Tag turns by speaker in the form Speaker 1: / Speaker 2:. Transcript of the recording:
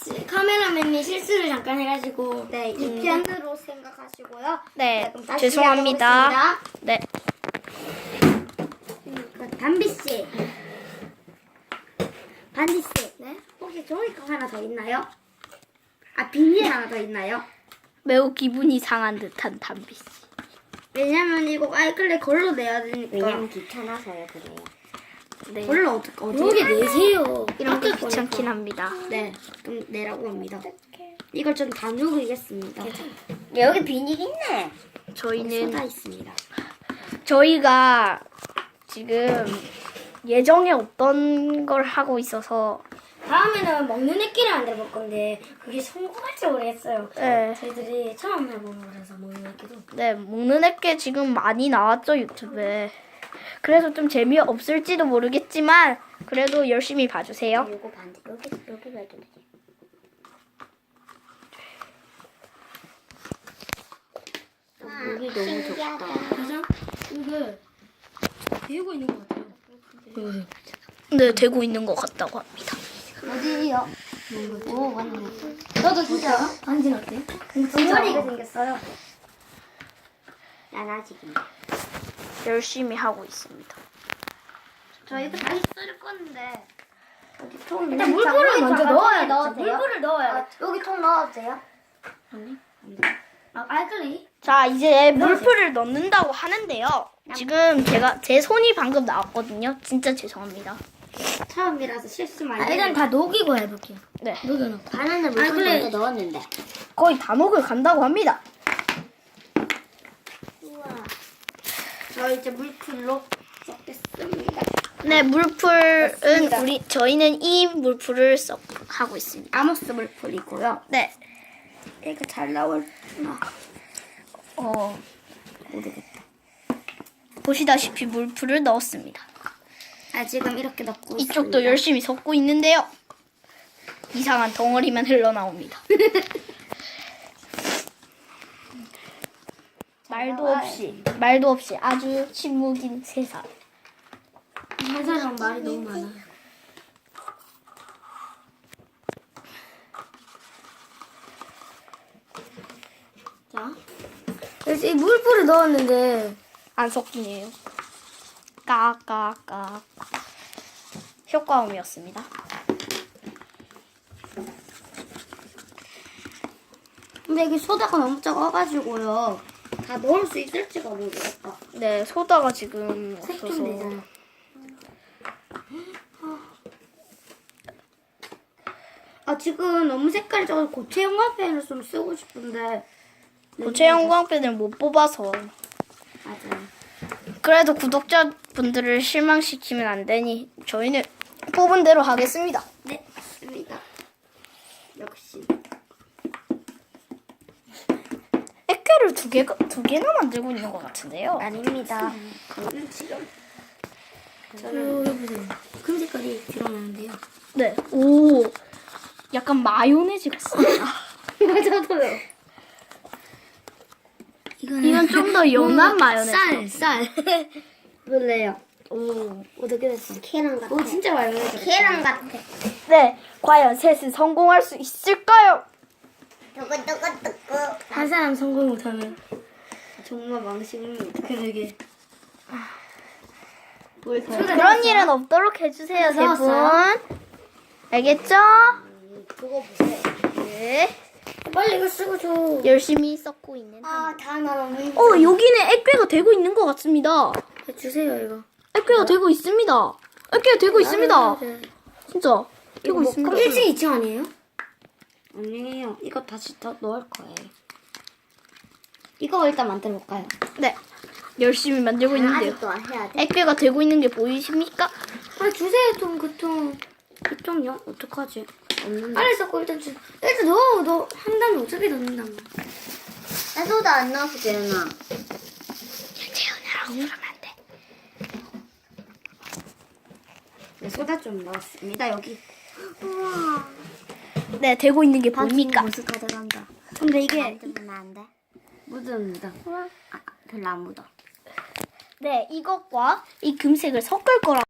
Speaker 1: 카메라맨이 실수를 잠깐 해가지고.
Speaker 2: 네, 이 편으로 생각하시고요.
Speaker 3: 네,
Speaker 2: 그럼 다시
Speaker 3: 죄송합니다.
Speaker 2: 시작해보겠습니다.
Speaker 3: 네.
Speaker 2: 담비씨. 반디씨. 네? 혹시 종이컵 하나 더 있나요? 아, 비닐 하나 더 있나요?
Speaker 3: 매우 기분이 상한 듯한 담비 씨.
Speaker 2: 왜냐면 이거 아이클레 걸로 내야 되니까.
Speaker 1: 왜냐면 귀찮아서요, 그래요.
Speaker 3: 네.
Speaker 2: 걸로 어떻게
Speaker 1: 여기 내세요.
Speaker 3: 이런 게
Speaker 2: 아까
Speaker 3: 귀찮긴 합니다.
Speaker 2: 네, 좀 내라고 합니다. 이걸 좀 다 누르겠습니다.
Speaker 1: 여기 비닐 있네.
Speaker 3: 저희는
Speaker 2: 쏟아 있습니다.
Speaker 3: 저희가 지금 예정에 없던 걸 하고 있어서
Speaker 1: 다음에는 먹는 애끼를 만들어 볼 건데 그게 성공할지 모르겠어요.
Speaker 3: 네.
Speaker 1: 저희들이 처음 해보는 거라서 먹는 애끼도.
Speaker 3: 네, 먹는 애게 지금 많이 나왔죠, 유튜브에. 그래서 좀 재미없을지도 모르겠지만 그래도 열심히 봐주세요.
Speaker 1: 요거 반지 여기 봐도 되지. 여기 너무 좋다. 그죠? 이게 비우고 있는 것 같아요.
Speaker 3: 네, 되고 있는 것 같다고 합니다.
Speaker 2: 어디요?
Speaker 1: 오 맞네.
Speaker 2: 너도 진짜?
Speaker 1: 반지는 어때?
Speaker 2: 진짜리가 생겼어요.
Speaker 1: 난 아직은.
Speaker 3: 열심히 하고 있습니다.
Speaker 2: 저 이거 다시 쓸 건데. 여기 통
Speaker 1: 일단 물풀을 먼저 넣어야 돼.
Speaker 2: 돼요?
Speaker 1: 물풀을 넣어야 돼.
Speaker 2: 여기 통 넣어도 돼요?
Speaker 1: 아 알칼리.
Speaker 3: 자, 이제 물풀을 넣는다고 하는데요. 지금 제 손이 방금 나왔거든요. 진짜 죄송합니다.
Speaker 2: 처음이라서 실수 많이.
Speaker 1: 일단 다 녹이고 해볼게요.
Speaker 3: 네,
Speaker 1: 녹여놓고.
Speaker 2: 바나나
Speaker 1: 물풀
Speaker 2: 물풀
Speaker 1: 먼저
Speaker 2: 넣었는데.
Speaker 3: 거의 다 녹을 간다고 합니다.
Speaker 2: 우와. 저 이제 물풀로 섞겠습니다.
Speaker 3: 네, 물풀은
Speaker 2: 맞습니다.
Speaker 3: 저희는 이 물풀을 하고 있습니다.
Speaker 2: 아모스 물풀이고요.
Speaker 3: 네,
Speaker 2: 이거 잘 나올나
Speaker 1: 모르겠다.
Speaker 3: 보시다시피 물풀을 넣었습니다.
Speaker 2: 아 지금 이렇게 넣고
Speaker 3: 이쪽도
Speaker 2: 있습니다.
Speaker 3: 열심히 섞고 있는데요. 이상한 덩어리만 흘러나옵니다. 말도 없이 아주 침묵인 세상.
Speaker 1: 한 사람 말이 너무 많아. 자, 그래서 이 물풀을 넣었는데
Speaker 3: 안 섞이네요. 까까까. 효과음이었습니다.
Speaker 2: 근데 이게 소다가 너무 작아가지고요. 다 넣을 수 있을지가 모르겠다.
Speaker 3: 네, 소다가 지금
Speaker 1: 색
Speaker 3: 없어서.
Speaker 1: 좀 되잖아.
Speaker 2: 아 지금 너무 색깔이 작아서 고체 형광펜을 좀 쓰고 싶은데.
Speaker 3: 고체 형광펜을 못 뽑아서.
Speaker 2: 맞아요.
Speaker 3: 그래도 구독자분들을 실망시키면 안 되니 저희는 뽑은 대로 하겠습니다.
Speaker 2: 네, 맞습니다. 역시.
Speaker 3: 액괴를 두 개나 만들고 있는 것 같은데요.
Speaker 2: 아닙니다. 저는 지금.
Speaker 1: 여기 보세요. 금 색깔이 드러나는데요.
Speaker 3: 네. 오, 약간 마요네즈 같습니다.
Speaker 2: 저도요.
Speaker 3: 이건 좀 더 연한 마요네즈.
Speaker 1: 쌀.
Speaker 2: 볼래요.
Speaker 3: 오.
Speaker 1: 어떻게 됐어?
Speaker 2: 계란 같아.
Speaker 1: 오 진짜 마요네즈.
Speaker 2: 계란 같아.
Speaker 3: 네, 과연 셋은 성공할 수 있을까요?
Speaker 2: 뜨거뜨거뜨거.
Speaker 1: 한 사람 성공 못하면
Speaker 2: 정말 망신입니다.
Speaker 1: 그러게.
Speaker 3: 그런 일은 없도록 해주세요, 세 분.
Speaker 1: 넣었어요?
Speaker 3: 알겠죠?
Speaker 2: 그거 보세요.
Speaker 3: 네.
Speaker 1: 빨리 이거 쓰고 줘.
Speaker 3: 열심히 썩고 있는.
Speaker 2: 아, 다 나오네.
Speaker 3: 여기는 액괴가 되고 있는 것 같습니다.
Speaker 1: 주세요 이거.
Speaker 3: 액괴가 되고 있습니다. 액괴가 되고 있습니다. 진짜 되고
Speaker 2: 뭐
Speaker 3: 있습니다.
Speaker 1: 1층 2층 아니에요?
Speaker 2: 아니에요. 이거 다시 더 넣을 거예요. 이거 일단 만들어 볼까요?
Speaker 3: 네, 열심히 만들고 있는데요.
Speaker 2: 아직도 해야 돼.
Speaker 3: 액괴가 되고 있는 게 보이십니까?
Speaker 1: 아 주세요 좀 그통.
Speaker 2: 그쪽요? 어떡하지? 없는데.
Speaker 1: 빨리 섞고 일단 일단 너 한다면 어차피 넣는단 말이야.
Speaker 2: 나 소다 안 넣어도 되나?
Speaker 3: 재현이라고 그러면 안 돼.
Speaker 2: 네, 소다 좀 넣었습니다. 여기.
Speaker 1: 우와.
Speaker 3: 네, 되고 있는 게 보입니까?
Speaker 2: 벌써 다 들어간다.
Speaker 1: 근데 이게
Speaker 2: 만들면 안 돼? 묻습니다. 아, 별로 안 묻어.
Speaker 3: 네, 이것과 이 금색을 섞을 거라.